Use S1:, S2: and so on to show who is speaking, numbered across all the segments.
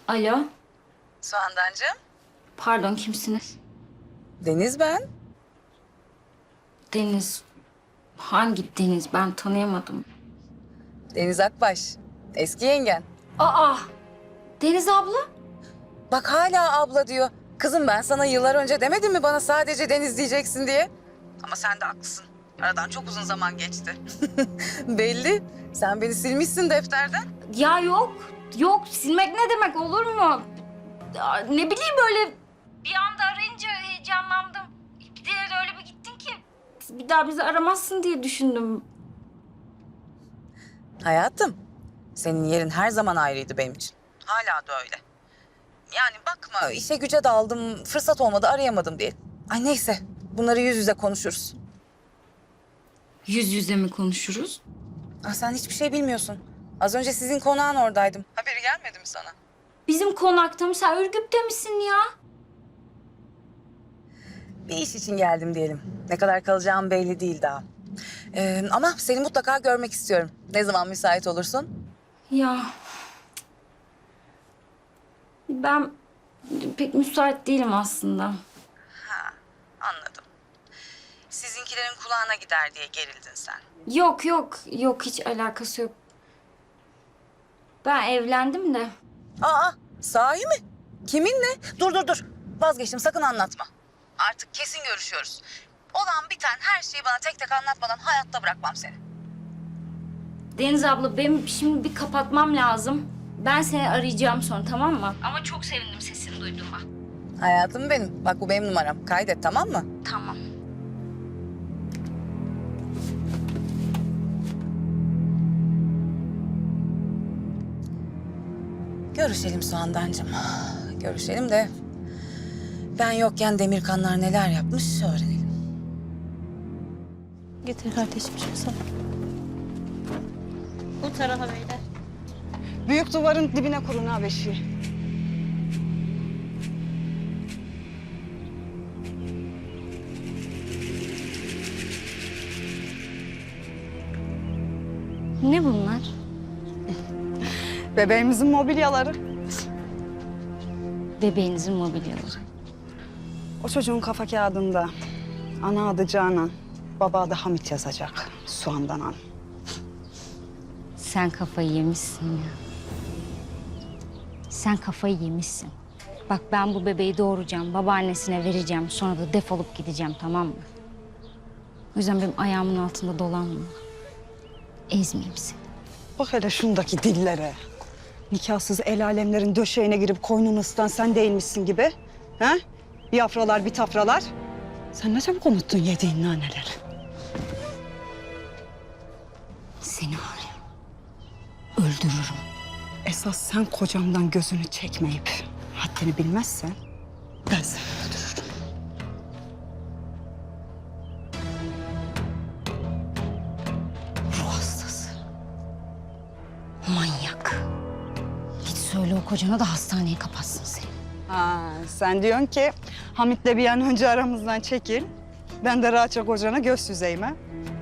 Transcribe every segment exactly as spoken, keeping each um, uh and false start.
S1: Alo,
S2: Soğandancığım.
S1: pardon kimsiniz?
S2: Deniz ben.
S1: Deniz. Hangi Deniz? Ben tanıyamadım.
S2: Deniz Akbaş. Eski yengen.
S1: Aa, Deniz abla?
S2: Bak hala abla diyor. Kızım ben sana yıllar önce demedim mi bana sadece Deniz diyeceksin diye? Ama sen de haklısın. Aradan çok uzun zaman geçti. Belli. Sen beni silmişsin defterden.
S1: Ya yok, yok. Silmek ne demek olur mu? Ya, ne bileyim böyle bir anda arayınca heyecanlandım. Bir de öyle bir gittin ki bir daha bizi aramazsın diye düşündüm.
S2: Hayatım, senin yerin her zaman ayrıydı benim için. Hala da öyle. Yani bakma işe güce daldım, fırsat olmadı arayamadım diye. Ay neyse, bunları yüz yüze konuşuruz.
S1: Yüz yüze mi konuşuruz?
S2: Ah sen hiçbir şey bilmiyorsun. Az önce sizin konağın oradaydım. Haberi gelmedi mi sana?
S1: Bizim konakta mı? Sen Ürgüp'te misin ya?
S2: Bir iş için geldim diyelim. Ne kadar kalacağım belli değil daha. Ee, ama seni mutlaka görmek istiyorum. Ne zaman müsait olursun?
S1: Ya ben pek müsait değilim aslında.
S2: Anladım. Sizinkilerin kulağına gider diye gerildin sen.
S1: Yok yok yok hiç alakası yok. Ben evlendim de.
S2: Aa, sahi mi? Kiminle? Dur dur dur. Vazgeçtim sakın anlatma. Artık kesin görüşüyoruz. Olan biten her şeyi bana tek tek anlatmadan hayatta bırakmam seni.
S1: Deniz abla benim şimdi bir kapatmam lazım. Ben seni arayacağım sonra tamam mı? Ama çok sevindim sesini duyduğuma.
S2: Hayatım benim. Bak bu benim numaram. Kaydet tamam mı?
S1: Tamam.
S2: Görüşelim Soğandancığım. Görüşelim de ben yokken Demirkanlar neler yapmış öğrenelim.
S3: Getir kardeşim şunu sana.
S4: Bu tarafa beyler.
S5: Büyük duvarın dibine kurun ha beşiği.
S1: Ne bunlar?
S5: Bebeğimizin mobilyaları.
S1: Bebeğinizin mobilyaları.
S5: O çocuğun kafa kağıdında ana adı Canan, baba adı Hamit yazacak. Soğandan an.
S1: Sen kafayı yemişsin ya. Sen kafayı yemişsin. Bak ben bu bebeği doğuracağım, babaannesine vereceğim. Sonra da defolup gideceğim tamam mı? O yüzden benim ayağımın altında dolanma. Ezmeyeyim seni.
S5: Bak hele şundaki dillere. Nikahsız el alemlerin döşeğine girip koynunu ısıtan sen değilmişsin gibi. Ha? Bir afralar bir tafralar. Sen ne çabuk unuttun yediğin naneleri.
S1: Seni var ya, öldürürüm.
S5: Esas sen kocamdan gözünü çekmeyip haddini bilmezsen ben seni öldürürüm.
S1: Ruh hastası. Manyak. Git söyle o kocana da hastaneye kapatsın seni.
S5: Ha, sen diyorsun ki Hamit'le bir an önce aramızdan çekil. Ben de rahatça kocana göz süzeyim ha.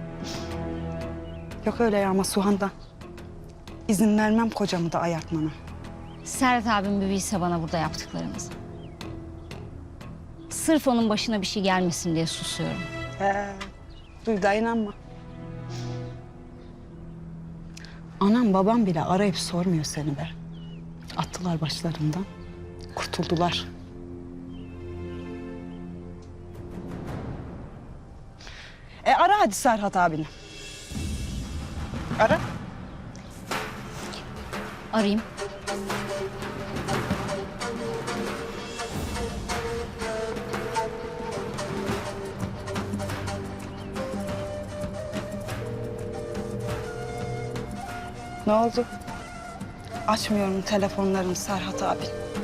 S5: Yok öyle ya ama Suhan'dan. İzin vermem kocamı da ayartmana.
S1: Serhat abim bir bilse bana burada yaptıklarımızı. Sırf onun başına bir şey gelmesin diye susuyorum.
S5: He, duy da inanma. Anam babam bile arayıp sormuyor seni be. Attılar başlarından, kurtuldular. E ara hadi Serhat abini. Ara.
S1: Arayayım.
S5: Ne oldu? Açmıyorum telefonlarını Serhat abi.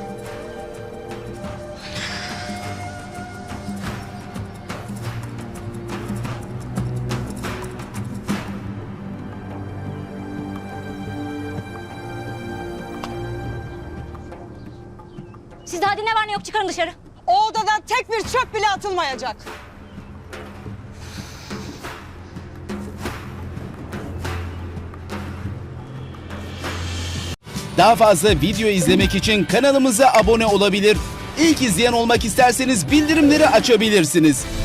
S1: Sizde hadi ne var ne yok çıkarın dışarı.
S5: O odadan tek bir çöp bile atılmayacak.
S3: Daha fazla video izlemek için kanalımıza abone olabilir. İlk izleyen olmak isterseniz bildirimleri açabilirsiniz.